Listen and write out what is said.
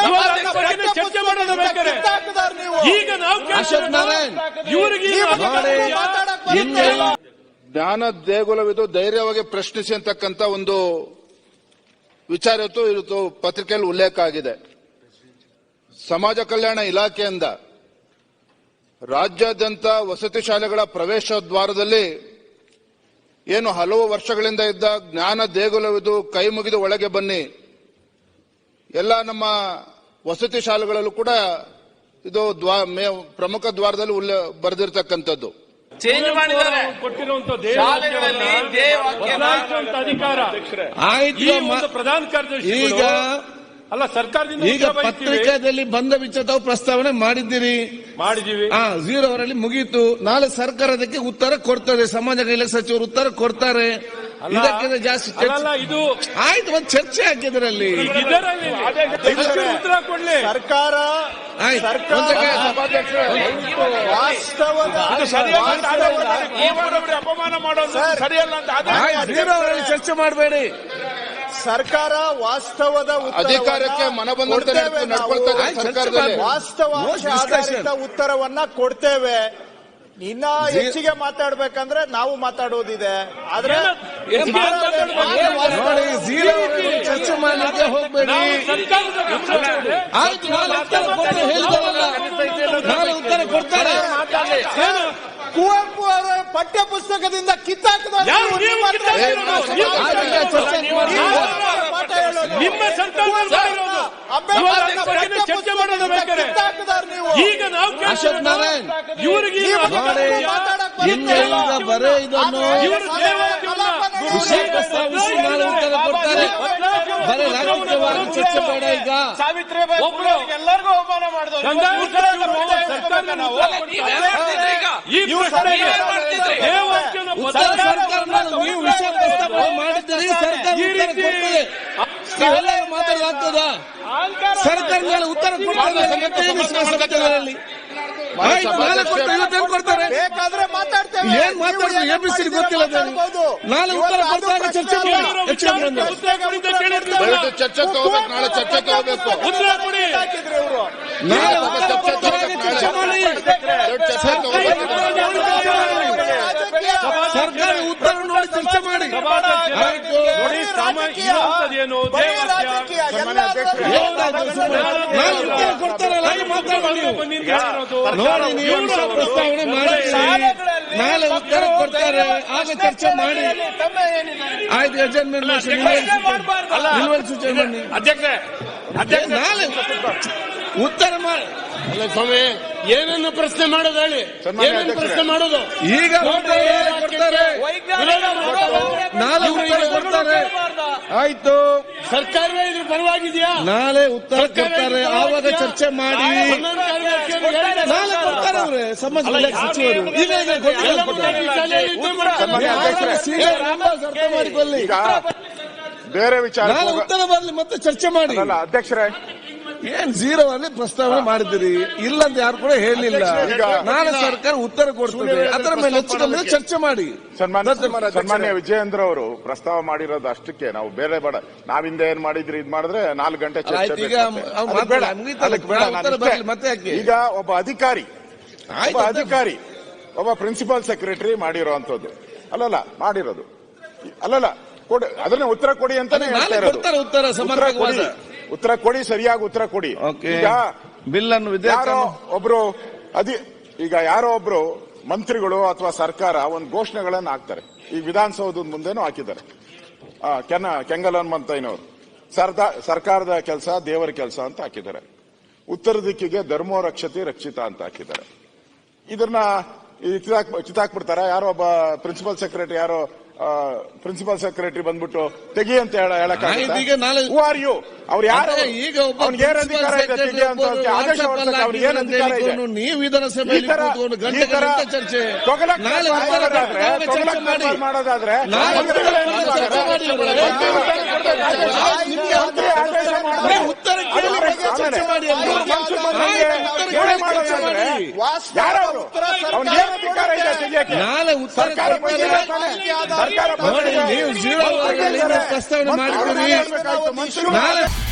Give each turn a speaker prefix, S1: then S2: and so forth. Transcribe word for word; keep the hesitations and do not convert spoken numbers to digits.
S1: ಚರ್ಚೆ ಮಾಡೋದು ಬೇಕಾದ್ರೆ ಈಗ ನಾವು
S2: ಅಶೋಕ್ ನಾರಾಯಣ್
S1: ಇವರಿಗೆ
S3: ಜ್ಞಾನ ದೇಗುಲವಿದು ಧೈರ್ಯವಾಗಿ ಪ್ರಶ್ನಿಸಿ ಅಂತಕ್ಕಂಥ ಒಂದು ವಿಚಾರ ಇವತ್ತು ಇವತ್ತು ಪತ್ರಿಕೆಯಲ್ಲಿ ಉಲ್ಲೇಖ ಆಗಿದೆ. ಸಮಾಜ ಕಲ್ಯಾಣ ಇಲಾಖೆಯಿಂದ ರಾಜ್ಯಾದ್ಯಂತ ವಸತಿ ಶಾಲೆಗಳ ಪ್ರವೇಶ ದ್ವಾರದಲ್ಲಿ ಏನು ಹಲವು ವರ್ಷಗಳಿಂದ ಇದ್ದ ಜ್ಞಾನ ದೇಗುಲವಿದು ಕೈ ಮುಗಿದು ಒಳಗೆ ಬನ್ನಿ, ಎಲ್ಲ ನಮ್ಮ ವಸತಿ ಶಾಲೆಗಳಲ್ಲೂ ಕೂಡ ಇದು ಪ್ರಮುಖ ದ್ವಾರದಲ್ಲಿ ಉಲ್ಲೇಖ ಬರೆದಿರ್ತಕ್ಕಂಥದ್ದು.
S4: ಚೇಂಜ್ ಮಾಡಿದ್ದಾರೆ
S1: ಕೊಟ್ಟಿರುವಂತಹ ಅಧಿಕಾರ ಪ್ರಧಾನ ಕಾರ್ಯದರ್ಶಿ
S2: ಈಗ
S1: ಅಲ್ಲ ಸರ್ಕಾರದಿಂದ
S2: ಈಗ ಪತ್ರಿಕಾದಲ್ಲಿ ಬಂದ ವಿಚಾರ ತಾವು ಪ್ರಸ್ತಾವನೆ ಮಾಡಿದ್ದೀರಿ,
S1: ಮಾಡಿದೀವಿ.
S2: ಹಾ ಝೀರೋ ಅವರಲ್ಲಿ ಮುಗೀತು. ನಾಳೆ ಸರ್ಕಾರ ಅದಕ್ಕೆ ಉತ್ತರ ಕೊಡ್ತದೆ, ಸಮಾಜ ಕಲ್ಯಾಣ ಸಚಿವರು ಉತ್ತರ ಕೊಡ್ತಾರೆ. ಇದಕ್ಕಿಂತ ಜಾಸ್ತಿ
S1: ಇದು
S2: ಆಯ್ತು, ಒಂದು ಚರ್ಚೆ ಹಾಕಿದ್ರಲ್ಲಿ
S1: ಉತ್ತರ ಕೊಡ್ಲಿ ಸರ್ಕಾರ. ಅಪಮಾನ ಮಾಡೋದು ಸರಿಯಲ್ಲ ಅಂತ
S2: ಝೀರೋ ಅವರಲ್ಲಿ ಚರ್ಚೆ ಮಾಡಬೇಡಿ.
S5: ಸರ್ಕಾರ ವಾಸ್ತವದ
S3: ಅಧಿಕಾರಕ್ಕೆ ಮನಬಂದಂತೆ ನಡ್ಕೊಳ್ತಾ ಸರ್ಕಾರದಲ್ಲಿ
S5: ವಾಸ್ತವಾಂಶ ಆಧಾರಿತ ಉತ್ತರವನ್ನ ಕೊಡ್ತೇವೆ. ಇನ್ನ ಹೆಚ್ಚಿಗೆ ಮಾತಾಡ್ಬೇಕಂದ್ರೆ ನಾವು ಮಾತಾಡೋದಿದೆ, ಆದ್ರೆ
S2: ನೋಡಿ ಝೀರೋ ಚರ್ಚೆ ಮಾಡಲಿಕ್ಕೆ ಹೋಗ್ಬೇಡಿ. ಆಯ್ತು, ನಾಳೆ ಉತ್ತರ ಕೊಟ್ಟು ಹೇಳಿದವಲ್ಲ, ನಾಳೆ ಉತ್ತರ ಕೊಡ್ತಾರೆ.
S5: ಕುವೆಂಪು ಅವರ ಪಠ್ಯ ಪುಸ್ತಕದಿಂದ ಕಿತ್ತಾಕಿದ
S1: ನಿಮ್ಮ ಚರ್ಚೆ ಮಾಡೋದು ಬೇಕಾದ್ರೆ ಈಗ ನಾವು
S2: ಅಶೋಕ್ ನಾರಾಯಣ್
S1: ಇವರಿಗೆ
S2: ಇನ್ನೆಲ್ಲ ಬರೇ ಇದನ್ನು ವಿಷಯ ಪ್ರಸ್ತಾವಿಸಿ ನಾಳೆ ಉತ್ತರ ಕೊಡ್ತಾರೆ. ಬರೀ ರಾಜಕೀಯವಾಗಿ ಚರ್ಚೆ ಬೇಡ. ಈಗ
S4: ಸಾವಿತ್ರಿಬಾಯಿ ಎಲ್ಲರಿಗೂ ಅವಮಾನ ಮಾಡಿದ್ರು.
S2: ನೀವು ವಿಷಯ ಪ್ರಸ್ತಾಪ ಮಾಡಿದ್ದೀರಿ, ಸರ್ಕಾರ ಉತ್ತರ ಕೊಡ್ತದೆ. ನೀವೆಲ್ಲರೂ ಮಾತಾಡಲಾಗ್ತದ? ಸರ್ಕಾರ ಮೇಲೆ ಉತ್ತರ ಕೊಡ್ತಾರೆ. ವಿಶ್ವಾಸದಲ್ಲಿ ನಾಳೆ ಕೊಟ್ಟು ಇವತ್ತೇನು ಕೊಡ್ತಾರೆ?
S5: ಬೇಕಾದ್ರೆ ಮಾತಾಡ್ತೇವೆ.
S2: ಏನ್ ಮಾತಾಡ್ತಾರೆ ಎಬಿಸಿ ಗೊತ್ತಿಲ್ಲ. ನಾಳೆ ಉತ್ತರ ಕೊಡ್ತಾರೆ. ಚರ್ಚೆ
S3: ದಯವಿಟ್ಟು ಚರ್ಚೆ ತಗೋಬೇಕು. ನಾಳೆ ಚರ್ಚೆ ತಗೋಬೇಕು.
S2: ನಾಳೆ ಉತ್ತರ ಕೊಡ್ತಾರೆ. ಚರ್ಚೆ ಮಾಡಿ. ಸರ್ಕಾರ ಉತ್ತರ ನೋಡಿ ಚರ್ಚೆ ಮಾಡಿ. ಆಯ್ತು, ನಾಳೆ ಉತ್ತರ ಕೊಡ್ತಾರಲ್ಲ, ಮಾತಾಡೋದು ನೋಡಿ. ನೀವು ವಿಷಯ ಪ್ರಸ್ತಾವನೆ ಮಾಡಿದ್ದೀರಿ, ನಾಳೆ ಉತ್ತರ ಕೊಡ್ತಾರೆ, ಆಗ ಚರ್ಚೆ ಮಾಡಿ. ಆಯ್ತು, ಅಡ್ಜಸ್ಟ್ಮೆಂಟ್ ನಿಲ್ವಲ್ ಸೂಚನೆ ಬನ್ನಿ
S1: ಅಧ್ಯಕ್ಷರೇ.
S2: ನಾಳೆ ಉತ್ತರ ಮಾಡಿ.
S1: ಸ್ವಾಮಿ ಏನನ್ನು ಪ್ರಶ್ನೆ ಮಾಡೋದು ಹೇಳಿ, ಏನನ್ನು ಪ್ರಶ್ನೆ ಮಾಡೋದು?
S2: ಈಗ ಕೊಡ್ತಾರೆ, ನಾಳೆ ಉತ್ತರ ಕೊಡ್ತಾರೆ. ಆಯ್ತು,
S1: ಸರ್ಕಾರವೇ ಇದ್ರ ಪರವಾಗಿದೆಯಾ?
S2: ನಾಳೆ ಉತ್ತರ ಕೊಡ್ತಾರೆ, ಆವಾಗ ಚರ್ಚೆ ಮಾಡಿ. ನಾಳೆ ಕೊಡ್ತಾರೆ ಅವ್ರೆ ಸಮಾಜ ಕಲ್ಯಾಣ ಸಚಿವರು. ಈಗ ಅರ್ಥ ಮಾಡಿಕೊಳ್ಳಿ.
S3: ಬೇರೆ ವಿಚಾರ
S2: ನಾಳೆ ಉತ್ತರ ಬರಲಿ, ಮತ್ತೆ ಚರ್ಚೆ ಮಾಡಿ.
S3: ಅಧ್ಯಕ್ಷರೇ,
S2: ಏನ್ ಝೀರೋ ಅಲ್ಲಿ ಪ್ರಸ್ತಾವನೆ ಮಾಡಿದಿರಿ, ಇಲ್ಲಂತ ಯಾರು ಕೂಡ ಹೇಳಿಲ್ಲ. ನಾಳೆ ಸರ್ಕಾರ ಉತ್ತರ ಕೊಡ್ತದೆ, ಅದರ ಮೇಲೆ ಹೆಚ್ಚು ಚರ್ಚೆ ಮಾಡಿ.
S6: ಸನ್ಮಾನ್ಯ ವಿಜಯೇಂದ್ರ ಅವರು ಪ್ರಸ್ತಾವ ಮಾಡಿರೋದು ಅಷ್ಟಕ್ಕೆ, ನಾವು ಬೇರೆ ಬೇಡ. ನಾವಿಂದ ಏನ್ ಮಾಡಿದ್ರಿ ಇದ್ ಮಾಡಿದ್ರೆ ನಾಲ್ಕು ಗಂಟೆ ಚರ್ಚೆ.
S2: ಮತ್ತೆ ಯಾಕೆ?
S6: ಈಗ ಒಬ್ಬ ಅಧಿಕಾರಿ ಒಬ್ಬ ಅಧಿಕಾರಿ ಒಬ್ಬ ಪ್ರಿನ್ಸಿಪಾಲ್ ಸೆಕ್ರೆಟರಿ ಮಾಡಿರೋಂಥದ್ದು ಅಲ್ಲಲ್ಲ ಮಾಡಿರೋದು ಅಲ್ಲಲ್ಲ ಕೊಡಿ, ಅದನ್ನ ಉತ್ತರ ಕೊಡಿ ಅಂತಾನೆ ಹೇಳ್ತಾ ಇರೋದು.
S2: ಉತ್ತರ
S6: ಕೊಡಿ, ಉತ್ತರ ಕೊಡಿ, ಸರಿಯಾಗಿ ಉತ್ತರ ಕೊಡಿ. ಈಗ
S2: ಬಿಲ್ ಅನ್ನು
S6: ಯಾರೋ ಒಬ್ರು ಅದಿ ಈಗ ಯಾರೋ ಒಬ್ರು ಮಂತ್ರಿಗಳು ಅಥವಾ ಸರ್ಕಾರ ಒಂದು ಘೋಷಣೆಗಳನ್ನ ಹಾಕ್ತಾರೆ. ಈ ವಿಧಾನಸೌಧದ ಮುಂದೆನೂ ಹಾಕಿದ್ದಾರೆ. ಕೆನ ಕೆಂಗಲ್ ಹನುಮಂತಯ್ಯನವರು ಸರ್ಕಾರದ ಕೆಲಸ ದೇವರ ಕೆಲಸ ಅಂತ ಹಾಕಿದ್ದಾರೆ. ಉತ್ತರ ದಿಕ್ಕಿಗೆ ಧರ್ಮೋ ರಕ್ಷತೆ ರಕ್ಷಿತ ಅಂತ ಹಾಕಿದ್ದಾರೆ. ಇದನ್ನ ಚಿತಾಕ್ಬಿಡ್ತಾರ. ಯಾರೋ ಒಬ್ಬ ಪ್ರಿನ್ಸಿಪಲ್ ಸೆಕ್ರೆಟರಿ ಯಾರೋ ಪ್ರಿನ್ಸಿಪಲ್ ಸೆಕ್ರೆಟರಿ ಬಂದ್ಬಿಟ್ಟು ತೆಗಿ ಅಂತ ಹೇಳಕ್ ಹೂ ಆರ್ ಯು? ಅವ್ರು ಯಾರು?
S2: ಈಗ
S6: ಏನ್ ಅಧಿಕಾರ ಇದೆ ತೆಗಿ ಅಂತ ಆದೇಶ ಹೊರಡಿಸಕ್ಕೆ ಅವ್ರಿಗೆ ಏನ್ ಅಧಿಕಾರ ಇದೆ?
S2: ನೀವು ವಿಧಾನಸಭೆಯಲ್ಲಿ ಕೂತ್ಕೊಂಡು ಗಂಟೆ ಗಂಟೆ ಚರ್ಚೆ ನಾಳೆ
S6: ಮಾಡೋದಾದ್ರೆ
S2: ಉತ್ತರ ಚರ್ಚೆ ಮಾಡಿ.
S6: ಯಾರು ಅವ್ನಿಗೆ ಏನ್ ಅಧಿಕಾರ ಇದೆ ತೆಗಿಯಕ್ಕೆ?
S2: ನಾಳೆ ಉತ್ತರ
S6: ಸರ್ಕಾರ
S2: ನೀವು ಜೀರೋ ಪ್ರಸ್ತಾವನೆ ಮಾಡಿದ್ದೀರಿ. ನಾಳೆ